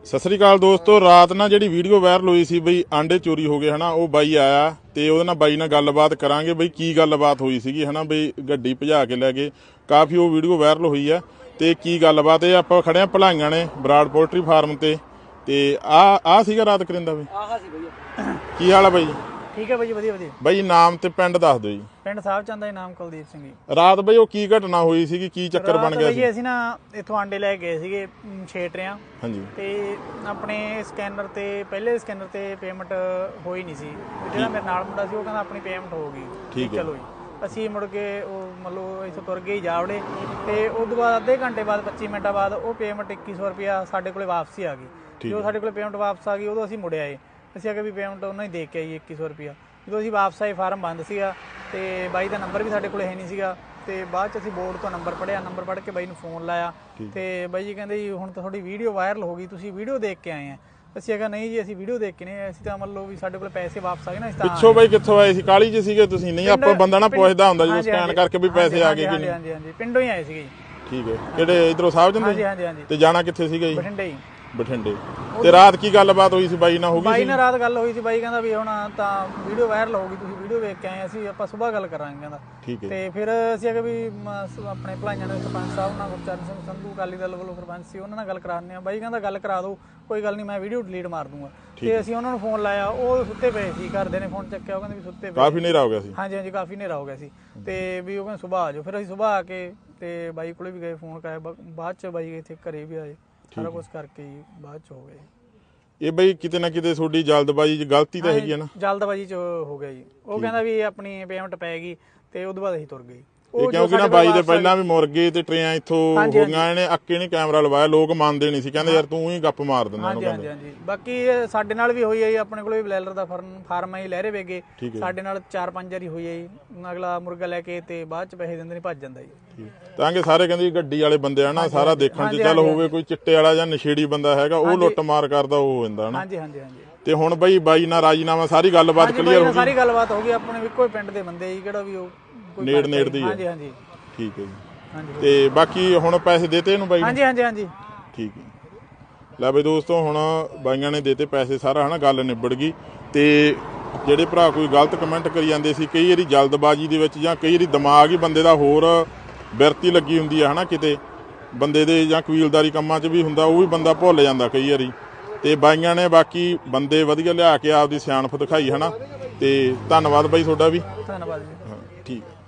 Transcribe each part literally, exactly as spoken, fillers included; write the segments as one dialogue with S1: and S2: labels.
S1: ਸਤਿ ਸ੍ਰੀ ਅਕਾਲ ਦੋਸਤੋ। ਰਾਤ ਨਾ ਜਿਹੜੀ ਵੀਡੀਓ ਵਾਇਰਲ ਹੋਈ ਸੀ ਬਈ ਆਂਡੇ ਚੋਰੀ ਹੋ ਗਏ ਹਨਾ, ਉਹ ਬਾਈ ਆਇਆ ਤੇ ਉਹਦੇ ਨਾਲ ਬਾਈ ਨਾਲ ਗੱਲਬਾਤ ਕਰਾਂਗੇ ਬਈ ਕੀ ਗੱਲਬਾਤ ਹੋਈ ਸੀਗੀ ਹਨਾ। ਬਈ ਗੱਡੀ ਭਜਾ ਕੇ ਲੈ ਗਏ, ਕਾਫੀ ਉਹ ਵੀਡੀਓ ਵਾਇਰਲ ਹੋਈ ਆ ਤੇ ਕੀ ਗੱਲਬਾਤ ਇਹ ਆਪਾਂ ਖੜੇ ਆ ਭਲਾਈਆਂ ਨੇ ਬਰਾੜ ਪੋਲਟਰੀ ਫਾਰਮ ਤੇ ਤੇ ਆ ਆ ਸੀਗਾ ਰਾਤ ਕਰਿੰਦਾ ਬਈ।
S2: ਆਹ ਸੀ ਬਈ।
S1: ਕੀ ਹਾਲ ਆ ਬਾਈ?
S2: ਠੀਕ ਹੈ ਬਾਈ, ਵਧੀਆ ਵਧੀਆ।
S1: ਬਾਈ ਨਾਮ ਤੇ ਪਿੰਡ ਦੱਸ ਦਿਓ ਜੀ।
S2: ਪਿੰਡ ਸਾਹਿਬ ਚੰਦ ਦਾ ਨਾਮ ਕੁਲਦੀਪ ਸਿੰਘ ਜੀ।
S1: ਰਾਤ ਬਈ ਉਹ ਕੀ ਘਟਨਾ ਹੋਈ ਸੀਗੀ, ਕੀ ਚੱਕਰ ਬਣ ਗਿਆ ਸੀ?
S2: ਅਸੀਂ ਨਾ ਇੱਥੋਂ ਆਂਡੇ ਲੈ ਗਏ ਸੀਗੇ ਛੇ ਟਰਿਆਂ।
S1: ਹਾਂਜੀ।
S2: ਤੇ ਆਪਣੇ ਸਕੈਨਰ ਤੇ ਪਹਿਲੇ ਸਕੈਨਰ ਤੇ ਪੇਮੈਂਟ ਹੋਈ ਨਹੀਂ ਸੀ। ਜਿਹੜਾ ਮੇਰੇ ਨਾਲ ਮੁੰਡਾ ਸੀ ਉਹ ਕਹਿੰਦਾ ਆਪਣੀ ਪੇਮੈਂਟ ਹੋ ਗਈ।
S1: ਠੀਕ ਹੈ।
S2: ਚਲੋ ਜੀ ਅਸੀਂ ਮੁੜ ਕੇ ਉਹ ਮਤਲਬ ਇੱਥੋਂ ਤੁਰ ਗਏ ਜਾਵੜੇ ਤੇ ਉਸ ਤੋਂ ਬਾਅਦ ਅੱਧੇ ਘੰਟੇ ਬਾਅਦ ਪੱਚੀ ਮਿੰਟਾਂ ਬਾਅਦ ਉਹ ਪੇਮੈਂਟ ਇੱਕੀ ਸੌ ਰੁਪਇਆ ਸਾਡੇ ਕੋਲੇ ਵਾਪਸੀ ਆ ਗਈ। ਜਦੋਂ ਸਾਡੇ ਕੋਲੇ ਪੇਮੈਂਟ ਵਾਪਸ ਆ ਗਈ ਉਦੋਂ ਅਸੀਂ ਮੁੜ ਆਏ। ਅਸੀਂ ਆ ਕੇ ਵੀ ਪੇਮੈਂਟ ਉਹਨਾਂ ਹੀ ਦੇ ਕੇ ਆਈ ਇੱਕੀ ਸੌ ਰੁਪਇਆ। ਜਦੋਂ ਅਸੀਂ ਵਾਪਸ ਆਏ ਫਾਰਮ ਬੰਦ ਸੀਗਾ ਤੇ ਬਾਈ ਦਾ ਨੰਬਰ ਵੀ ਸਾਡੇ ਕੋਲ ਹੈ ਨਹੀਂ ਸੀਗਾ। ਤੇ ਬਾਅਦ ਚ ਅਸੀਂ ਬੋਰਡ ਤੋਂ ਨੰਬਰ ਪੜਿਆ, ਨੰਬਰ ਪੜ੍ਹ ਕੇ ਬਾਈ ਨੂੰ ਫੋਨ ਲਾਇਆ ਤੇ ਬਾਈ ਜੀ ਕਹਿੰਦੇ ਜੀ ਹੁਣ ਤਾਂ ਤੁਹਾਡੀ ਵੀਡੀਓ ਵਾਇਰਲ ਹੋ ਗਈ, ਤੁਸੀਂ ਵੀਡੀਓ ਦੇਖ ਕੇ ਆਏ ਆ। ਅਸੀਂ ਕਿਹਾ ਨਹੀਂ ਜੀ ਅਸੀਂ ਵੀਡੀਓ ਦੇਖ ਕੇ ਨਹੀਂ, ਅਸੀਂ ਤਾਂ ਮੰਨ ਲਓ ਵੀ ਸਾਡੇ ਕੋਲ ਪੈਸੇ ਵਾਪਸ ਆ ਗਏ ਨਾ। ਇਸ ਤਰ੍ਹਾਂ
S1: ਪਿੱਛੋਂ ਬਾਈ ਕਿੱਥੋਂ ਆਏ ਸੀ? ਕਾਲੀ ਚ ਸੀਗੇ ਤੁਸੀਂ? ਨਹੀਂ ਆਪਾਂ ਬੰਦਾ ਨਾ ਪੁੱਛਦਾ ਹੁੰਦਾ ਜਦੋਂ ਸਕੈਨ ਕਰਕੇ ਵੀ ਪੈਸੇ ਆ ਗਏ ਕਿ ਨਹੀਂ।
S2: ਹਾਂਜੀ ਹਾਂਜੀ ਪਿੰਡੋਂ ਹੀ ਆਏ ਸੀਗੇ ਜੀ।
S1: ਠੀਕ ਹੈ। ਕਿਹੜੇ ਇਧਰੋਂ ਸਾਹਿਬ ਜੰਦੇ?
S2: ਹਾਂਜੀ ਹਾਂਜੀ ਹਾਂਜੀ।
S1: ਤੇ ਜਾਣਾ ਕਿੱਥੇ ਸੀਗਾ ਜੀ?
S2: ਬਠਿੰਡੇ ਹੀ।
S1: ਬਠਿੰਡੇ। ਤੇ ਰਾਤ ਕੀ ਗੱਲਬਾਤ ਹੋਈ ਸੀ ਬਾਈ ਨਾਲ? ਹੋ ਗਈ
S2: ਬਾਈ ਨਾਲ ਰਾਤ ਗੱਲ ਹੋਈ ਸੀ। ਬਾਈ ਕਹਿੰਦਾ ਵੀ ਹੁਣ ਤਾਂ ਵੀਡੀਓ ਵਾਇਰਲ ਹੋ ਗਈ, ਤੁਸੀਂ ਵੀਡੀਓ ਵੇਖ ਕੇ ਆਏ, ਅਸੀਂ ਆਪਾਂ ਸਵੇਰ ਗੱਲ ਕਰਾਂਗੇ ਕਹਿੰਦਾ।
S1: ਠੀਕ ਹੈ।
S2: ਤੇ ਫਿਰ ਅਸੀਂ ਆ ਕੇ ਵੀ ਆਪਣੇ ਭਲਾਈਆਂ ਦੇ ਸਰਪੰਚ ਸਾਹਿਬ ਨਾਲ ਗੁਰਚਰਨ ਸਿੰਘ ਸੰਧੂ ਅਕਾਲੀ ਦਲ ਵੱਲੋਂ ਸਰਪੰਚ ਸੀ, ਉਹਨਾਂ ਨਾਲ ਗੱਲ ਕਰਾਉਂਦੇ ਆ। ਬਾਈ ਕਹਿੰਦਾ ਗੱਲ ਕਰਾ ਦਿਓ, ਕੋਈ ਗੱਲ ਨਹੀਂ, ਮੈਂ ਵੀਡੀਓ ਡਿਲੀਟ ਮਾਰ ਦੂੰਗਾ। ਤੇ ਅਸੀਂ ਉਹਨਾਂ ਨੂੰ ਫੋਨ ਲਾਇਆ, ਉਹ ਸੁੱਤੇ ਪਏ ਸੀ, ਘਰਦੇ ਨੇ ਫੋਨ ਚੱਕਿਆ, ਉਹ ਕਹਿੰਦੇ ਵੀ ਸੁੱਤੇ ਪਏ।
S1: ਕਾਫੀ ਹਨੇਰਾ ਹੋ ਗਿਆ ਸੀ? ਹਾਂਜੀ
S2: ਹਾਂਜੀ ਕਾਫੀ ਹਨੇਰਾ ਹੋ ਗਿਆ ਸੀ। ਤੇ ਵੀ ਉਹ ਕਹਿੰਦੇ ਸੁਬਾਹ ਆ ਜਾਓ। ਫਿਰ ਅਸੀਂ ਸੁਬਾਹ ਆ ਕੇ ਤੇ ਬਾਈ ਕੋਲੇ ਵੀ ਗਏ, ਫੋਨ ਕਰਾਇਆ। ਬਾਅਦ ਚ ਬਾਈ ਇੱਥੇ ਘਰੇ ਵੀ ਆਏ, ਸਾਰਾ ਕੁਝ ਕਰਕੇ ਹੀ ਬਾਅਦ ਚ ਹੋ ਗਏ।
S1: ਇਹ ਬਈ ਕਿਤੇ ਨਾ ਕਿਤੇ ਤੁਹਾਡੀ ਜਲਦਬਾਜ਼ੀ ਚ ਗਲਤੀ ਤਾਂ ਹੈਗੀ ਹੈ ਨਾ?
S2: ਜਲਦਬਾਜ਼ੀ ਚ ਹੋ ਗਿਆ ਜੀ। ਉਹ ਕਹਿੰਦਾ ਵੀ ਆਪਣੀ ਪੇਮੈਂਟ ਪੈ ਗਈ ਤੇ ਉਹਦੇ ਬਾਅਦ ਅਸੀਂ ਤੁਰ ਗਏ।
S1: ਇਹ ਕਿਉਂਕਿ ਨਾ ਬਾਈ ਦੇ ਪਹਿਲਾਂ ਵੀ ਮੁਰਗੇ ਤੇ ਟਰੇਆਂ ਇੱਥੋਂ ਹੋ ਗਈਆਂ, ਇਹਨੇ ਅੱਕੇ ਨਹੀਂ ਕੈਮਰਾ ਲਵਾਇਆ, ਲੋਕ ਮੰਨਦੇ ਨਹੀਂ ਸੀ, ਕਹਿੰਦੇ ਯਾਰ ਤੂੰ ਹੀ ਗੱਪ ਮਾਰ ਦਿੰਦਾ ਉਹਨੂੰ।
S2: ਹਾਂਜੀ ਹਾਂਜੀ। ਬਾਕੀ ਸਾਡੇ ਨਾਲ ਵੀ ਹੋਈ ਹੈ ਜੀ, ਆਪਣੇ ਕੋਲ ਵੀ ਬਲੈਲਰ ਦਾ ਫਾਰਮ ਹੈ ਲਹਿਰੇ ਵੇਗੇ, ਸਾਡੇ ਨਾਲ ਚਾਰ ਪੰਜ ਵਾਰੀ ਹੋਈ ਹੈ ਜੀ। ਅਗਲਾ ਮੁਰਗਾ ਲੈ ਕੇ ਤੇ ਬਾਅਦ ਚ ਪੈਸੇ ਦਿੰਦੇ ਨਹੀਂ, ਭੱਜ ਜਾਂਦਾ ਜੀ।
S1: ਤਾਂ ਕਿ ਸਾਰੇ ਕਹਿੰਦੇ ਗੱਡੀ ਵਾਲੇ ਬੰਦੇ ਆ ਨਾ, ਸਾਰਾ ਦੇਖਣ ਚ ਚੱਲ ਹੋਵੇ ਕੋਈ ਚਿੱਟੇ ਵਾਲਾ ਜਾਂ ਨਸ਼ੇੜੀ ਬੰਦਾ ਹੈਗਾ, ਉਹ ਲੁੱਟ ਮਾਰ ਕਰਦਾ ਉਹ ਹੋ ਜਾਂਦਾ ਨਾ।
S2: ਹਾਂਜੀ ਹਾਂਜੀ ਹਾਂਜੀ।
S1: ਤੇ ਹੁਣ ਬਈ ਬਾਈ ਨਾਲ ਰਾਜੀਨਾਮਾ ਸਾਰੀ ਗੱਲਬਾਤ ਕਲੀਅਰ ਹੋ ਗਈ?
S2: ਸਾਰੀ ਗੱਲਬਾਤ ਹੋ ਗਈ। ਆਪਣੇ ਇੱਕੋ ਹੀ ਪਿੰਡ ਦੇ ਬੰਦੇ ਜੀ, ਕਿਹੜਾ ਵੀ ਉਹ
S1: ਨੇੜ ਨੇੜ ਦੀ।
S2: ਹਾਂਜੀ ਹਾਂਜੀ।
S1: ਠੀਕ ਹੈ ਜੀ। ਤੇ ਬਾਕੀ ਹੁਣ ਪੈਸੇ ਦੇਤੇ ਇਹਨੂੰ ਬਾਈ?
S2: ਹਾਂਜੀ ਹਾਂਜੀ ਹਾਂਜੀ।
S1: ਠੀਕ ਹੈ। ਲੈ ਬਈ ਦੋਸਤੋ ਹੁਣ ਬਾਈਆਂ ਨੇ ਦੇਤੇ ਪੈਸੇ, ਸਾਰਾ ਹਨਾ ਗੱਲ ਨਿਬੜ ਗਈ। ਤੇ ਜਿਹੜੇ ਭਰਾ ਕੋਈ ਗਲਤ ਕਮੈਂਟ ਕਰੀ ਜਾਂਦੇ ਸੀ, ਕਈ ਵਾਰੀ ਜਲਦਬਾਜ਼ੀ ਦੇ ਵਿੱਚ ਜਾਂ ਕਈ ਵਾਰੀ ਦਿਮਾਗ ਹੀ ਬੰਦੇ ਦਾ ਹੋਰ ਬਿਰਤੀ ਲੱਗੀ ਹੁੰਦੀ ਆ ਹਨਾ, ਕਿਤੇ ਬੰਦੇ ਦੇ ਜਾਂ ਕਬੀਲਦਾਰੀ ਕੰਮਾਂ 'ਚ ਵੀ ਹੁੰਦਾ, ਉਹ ਵੀ ਬੰਦਾ ਭੁੱਲ ਜਾਂਦਾ ਕਈ ਵਾਰੀ। ਤੇ ਬਾਈਆਂ ਨੇ ਬਾਕੀ ਬੰਦੇ ਵਧੀਆ ਲਿਆ ਕੇ ਆਪਦੀ ਸਿਆਣਪ ਦਿਖਾਈ ਹਨਾ। ਤੇ ਧੰਨਵਾਦ ਬਾਈ ਤੁਹਾਡਾ ਵੀ।
S2: ਧੰਨਵਾਦ ਜੀ।
S1: ਹਾਂ ਠੀਕ ਹੈ।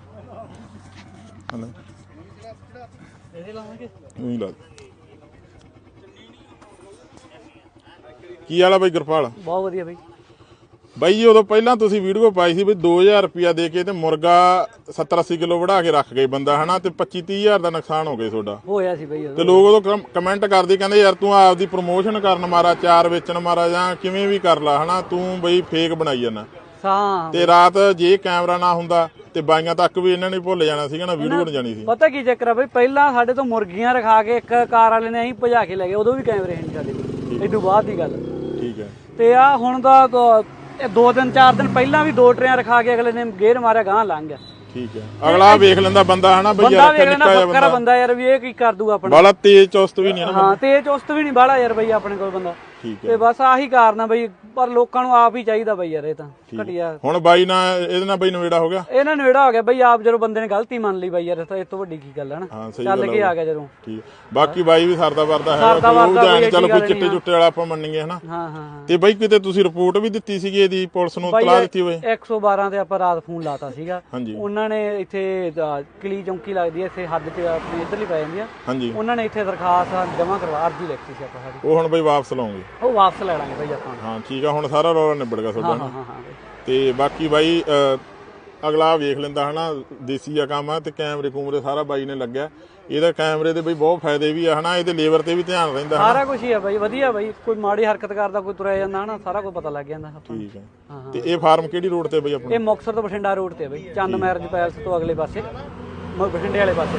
S1: ਕੀ ਹਾਲ ਆ ਬਾਈ ਗੁਰਪਾਲ?
S2: ਬਹੁਤ ਵਧੀਆ ਬਾਈ।
S1: ਬਾਈ ਜੀ ਉਦੋਂ ਪਹਿਲਾਂ ਤੁਸੀਂ ਵੀਡੀਓ ਪਾਈ ਸੀ ਵੀ ਦੋ ਹਜ਼ਾਰ ਰੁਪਇਆ ਦੇ ਕੇ ਤੇ ਮੁਰਗਾ ਸੱਤਰ ਅੱਸੀ ਕਿਲੋ ਵੜਾ ਕੇ ਰੱਖ ਗਏ ਬੰਦਾ ਹਨਾ, ਤੇ ਪੱਚੀ ਤੀਹ ਹਜ਼ਾਰ ਦਾ ਨੁਕਸਾਨ ਹੋ ਗਿਆ ਤੁਹਾਡਾ।
S2: ਹੋਇਆ ਸੀ ਬਾਈ।
S1: ਤੇ ਲੋਕ ਉਦੋਂ ਕਮੈਂਟ ਕਰਦੇ ਕਹਿੰਦੇ ਯਾਰ ਤੂੰ ਆਪਦੀ ਪ੍ਰਮੋਸ਼ਨ ਕਰਨ ਮਾਰਾ, ਚਾਰ ਵੇਚਣ ਮਾਰਾ, ਜਾਂ ਕਿਵੇਂ ਵੀ ਕਰ ਲਾ ਹਨਾ, ਤੂੰ ਬਈ ਫੇਕ ਬਣਾਈ ਜਾਂਦਾ। ਤੇ ਰਾਤ ਜੇ ਕੈਮਰਾ ਨਾ ਹੁੰਦਾ ਤੇ ਬਾਈਆਂ ਤੱਕ ਵੀ ਇਹਨਾਂ ਨੇ ਭੁੱਲ ਜਾਣਾ ਸੀਗਾ ਨਾ, ਵੀਡੀਓ ਬਣ ਜਾਣੀ ਸੀ।
S3: ਪਤਾ ਕੀ ਚੱਕਰ ਆ ਬਈ, ਪਹਿਲਾਂ ਸਾਡੇ ਤੋਂ ਮੁਰਗੀਆਂ ਰਖਾ ਕੇ ਇੱਕ ਕਾਰ ਵਾਲੇ ਨੇ ਅਸੀਂ ਭਜਾ ਕੇ ਲੈ ਗਏ, ਉਦੋਂ ਵੀ ਕੈਮਰੇ ਨਹੀਂ ਸਾਡੇ ਕੋਲ, ਇਦੋਂ ਬਾਅਦ ਦੀ ਗੱਲ।
S1: ਠੀਕ ਹੈ।
S3: ਤੇ ਆ ਹੁਣ ਦਾ ਦੋ ਦਿਨ ਚਾਰ ਦਿਨ ਪਹਿਲਾਂ ਵੀ ਦੋ ਟਰੇਆਂ ਰਖਾ ਕੇ ਅਗਲੇ ਨੇ ਗੇਰ ਮਾਰਿਆ, ਗਾਂ ਲੰਘ ਗਿਆ।
S1: ਠੀਕ ਹੈ। ਅਗਲਾ ਵੇਖ ਲੈਂਦਾ ਬੰਦਾ ਹਨਾ ਬਈ ਯਾਰ
S3: ਨਿੱਕਾ ਬੱਕਰਾ ਬੰਦਾ ਯਾਰ, ਵੀ ਇਹ ਕੀ ਕਰ ਦੂਗਾ ਆਪਣਾ।
S1: ਬਾਲਾ ਤੇਜ਼ ਚੁਸਤ ਵੀ ਨਹੀਂ ਨਾ।
S3: ਹਾਂ ਤੇਜ਼ ਚੁਸਤ ਵੀ ਨਹੀਂ ਬਾਲਾ ਯਾਰ ਬਈ ਆਪਣੇ ਕੋਲ ਬੰਦਾ।
S1: ਠੀਕ ਹੈ।
S3: ਤੇ ਬਸ ਆਹੀ ਕਾਰਨ ਆ ਬਈ, ਪਰ ਲੋਕਾਂ ਨੂੰ ਆਪ ਹੀ ਚਾਹੀਦਾ ਬਈ ਯਾਰ, ਇਹ ਤਾਂ ਘਟਿਆ।
S1: ਹੁਣ ਬਾਈ ਨਾਲ ਇਹਦੇ ਨਾਲ ਬਈ ਨਵੇੜਾ ਹੋ ਗਿਆ?
S3: ਇਹਨਾਂ ਨਵੇੜਾ ਹੋ ਗਿਆ ਬਈ, ਆਪ ਜਦੋਂ ਬੰਦੇ ਨੇ ਗਲਤੀ ਮੰਨ ਲਈ ਬਈ ਯਾਰ, ਇਹ ਤੋਂ ਵੱਡੀ ਕੀ ਗੱਲ ਹੈ ਨਾ।
S1: ਹਾਂ ਸਹੀ
S3: ਚੱਲ ਕੇ ਆ ਗਿਆ ਜਦੋਂ।
S1: ਠੀਕ। ਬਾਕੀ ਬਾਈ ਵੀ ਸਰਦਾ ਵਰਦਾ ਹੈ, ਚੱਲ ਕੋਈ ਚਿੱਟੇ ਚੁੱਟੇ ਵਾਲਾ ਆਪਾਂ ਮੰਨੀਏ ਹਨਾ।
S3: ਹਾਂ ਹਾਂ।
S1: ਤੇ ਬਾਈ ਕਿਤੇ ਤੁਸੀਂ ਰਿਪੋਰਟ ਵੀ ਦਿੱਤੀ ਸੀਗੀ ਇਹਦੀ, ਪੁਲਿਸ ਨੂੰ ਇਤਲਾਹ ਦਿੱਤੀ ਹੋਵੇ?
S3: ਇੱਕ ਸੌ ਬਾਰਾਂ ਤੇ ਆਪਾਂ ਰਾਤ ਫੋਨ ਲਾਤਾ ਸੀਗਾ।
S1: ਹਾਂਜੀ।
S3: ਉਹਨਾਂ ਨੇ ਇੱਥੇ ਕਲੀ ਚੌਂਕੀ ਲੱਗਦੀ ਹੈ ਇੱਥੇ ਹੱਦ ਤੇ ਆਪਣੀ ਇੱਧਰਲੀ ਪੈ ਜਾਂਦੀ ਆ।
S1: ਹਾਂਜੀ। ਉਹਨਾਂ
S3: ਨੇ ਇੱਥੇ ਦਰਖਾਸਤ ਜਮ੍ਹਾਂ ਕਰਵਾ, ਅਰਜੀ ਲਿਖਤੀ ਸੀ ਆਪਾਂ ਸਾਡੀ।
S1: ਉਹ ਹੁਣ ਬਾਈ ਵਾਪਸ ਲਾਉਂਗੇ?
S3: ਉਹ ਵਾਪਸ ਲੈ ਲਾਂਗੇ ਬਾਈ ਆਪਾਂ।
S1: ਹਾਂ ਠੀਕ ਆ, ਹੁਣ ਸਾਰਾ ਰੌਲਾ ਨਿਬੜ ਗਿਆ ਤੁਹਾਡਾ।
S3: ਹਾਂ ਹਾਂ ਹਾਂ।
S1: ਤੇ ਬਾਕੀ ਬਾਈ ਅਗਲਾ ਵੇਖ ਲੈਂਦਾ ਹਨਾ, ਦੇਸੀ ਆ ਕੰਮ ਆ। ਤੇ ਕੈਮਰੇ ਕੂਮਰੇ ਸਾਰਾ ਬਾਈ ਨੇ ਲੱਗਿਆ, ਇਹਦਾ ਕੈਮਰੇ ਦੇ ਬਈ ਬਹੁਤ ਫਾਇਦੇ ਵੀ ਆ ਹਨਾ, ਇਹਦੇ ਲੇਬਰ ਤੇ ਵੀ ਧਿਆਨ ਰਹਿੰਦਾ,
S3: ਸਾਰਾ ਕੁਝ ਹੀ ਆ ਬਾਈ ਵਧੀਆ ਬਾਈ। ਕੋਈ ਮਾੜੀ ਹਰਕਤ ਕਰਦਾ, ਕੋਈ ਤੁਰਿਆ ਜਾਂਦਾ ਹਨਾ, ਸਾਰਾ ਕੁਝ ਪਤਾ ਲੱਗ ਜਾਂਦਾ।
S1: ਠੀਕ ਹੈ। ਤੇ ਇਹ ਫਾਰਮ ਕਿਹੜੀ ਰੋਡ ਤੇ ਬਈ ਆਪਣਾ?
S3: ਇਹ ਮੁਕਤਸਰ ਤੋਂ ਬਠਿੰਡਾ ਰੋਡ ਤੇ ਬਾਈ, ਚੰਦ ਮੈਰਿਜ ਪੈਲਸ ਤੋਂ ਅਗਲੇ ਪਾਸੇ, ਬਠਿੰਡੇ ਵਾਲੇ ਪਾਸੇ।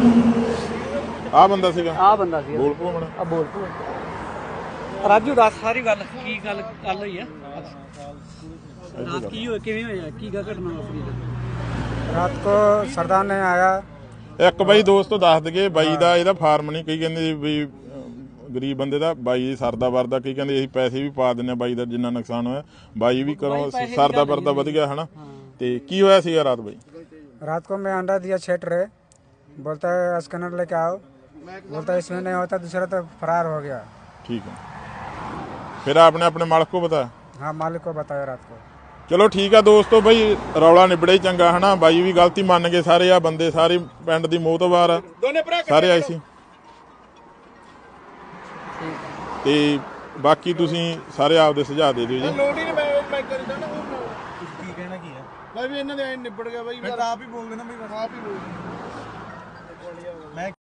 S1: ਆਹ ਬੰਦਾ ਸੀਗਾ?
S3: ਆਹ ਬੰਦਾ ਸੀ।
S1: ਬੋਲ ਪੋ ਮਣਾ।
S3: ਆ ਬੋਲ ਪੋ ਰਾਜੂ, ਦੱਸ ਸਾਰੀ ਗੱਲ ਕੀ ਗੱਲ ਗੱਲ ਹੋਈ ਆ रात की हो किवें होया की घटना वापरी?
S2: रात को सरदार ने आया।
S1: ਇੱਕ ਬਾਈ ਦੋਸਤੋ ਦੱਸ ਦਗੇ, ਬਾਈ ਦਾ ਇਹਦਾ ਫਾਰਮ ਨਹੀਂ, ਕਈ ਕਹਿੰਦੇ ਵੀ ਗਰੀਬ ਬੰਦੇ ਦਾ ਬਾਈ ਦੀ ਸਰਦਾ ਵਰਦਾ, ਕਈ ਕਹਿੰਦੇ ਅਸੀਂ ਪੈਸੇ ਵੀ ਪਾ ਦਿੰਦੇ ਆ ਬਾਈ ਦਾ ਜਿੰਨਾ ਨੁਕਸਾਨ ਹੋਇਆ, ਬਾਈ ਵੀ ਕਰੋ ਸਰਦਾ ਵਰਦਾ ਵਧ ਗਿਆ ਹਨਾ। ਤੇ ਕੀ ਹੋਇਆ ਸੀਗਾ ਰਾਤ ਬਾਈ?
S4: रात को मैं अंडा दिया छेट रहे, बोलता है स्कैनर लेके आओ, बोलता है इसमें नहीं होता, दूसरा तो फरार हो गया।
S1: ठीक है, फिर आपने अपने मालिक को बताया?
S4: हाँ मालिक को बताया रात को।
S1: ਚਲੋ ਠੀਕ ਆ ਦੋਸਤੋ, ਬਈ ਰੌਲਾ ਨਿਬੜੇ ਹੀ ਚੰਗਾ ਹਨਾ। ਬਾਈ ਵੀ ਗਲਤੀ ਮੰਨ ਗਏ, ਸਾਰੇ ਆ ਬੰਦੇ ਸਾਰੇ ਪਿੰਡ ਦੀ ਮੋਹਤਬਾਰ ਆ, ਸਾਰੇ ਆਏ ਸੀ। ਤੇ ਬਾਕੀ ਤੁਸੀਂ ਸਾਰੇ ਆਪਦੇ ਸੁਝਾਅ ਦੇ ਦਿਓ ਜੀ।
S5: ਲੋੜ ਹੀ ਨਹੀਂ, ਮੈਂ ਮੈਂ ਕਰਦਾ ਨਾ ਉਹ ਕੀ ਕਹਿਣਾ ਕੀ ਆ ਬਾਈ ਵੀ ਇਹਨਾਂ ਦੇ ਐ ਨਿਬੜ ਗਿਆ ਬਾਈ, ਆਪ ਹੀ ਬੋਲ ਦੇਣਾ ਬਈ, ਆਪ ਹੀ ਬੋਲ ਮੈਂ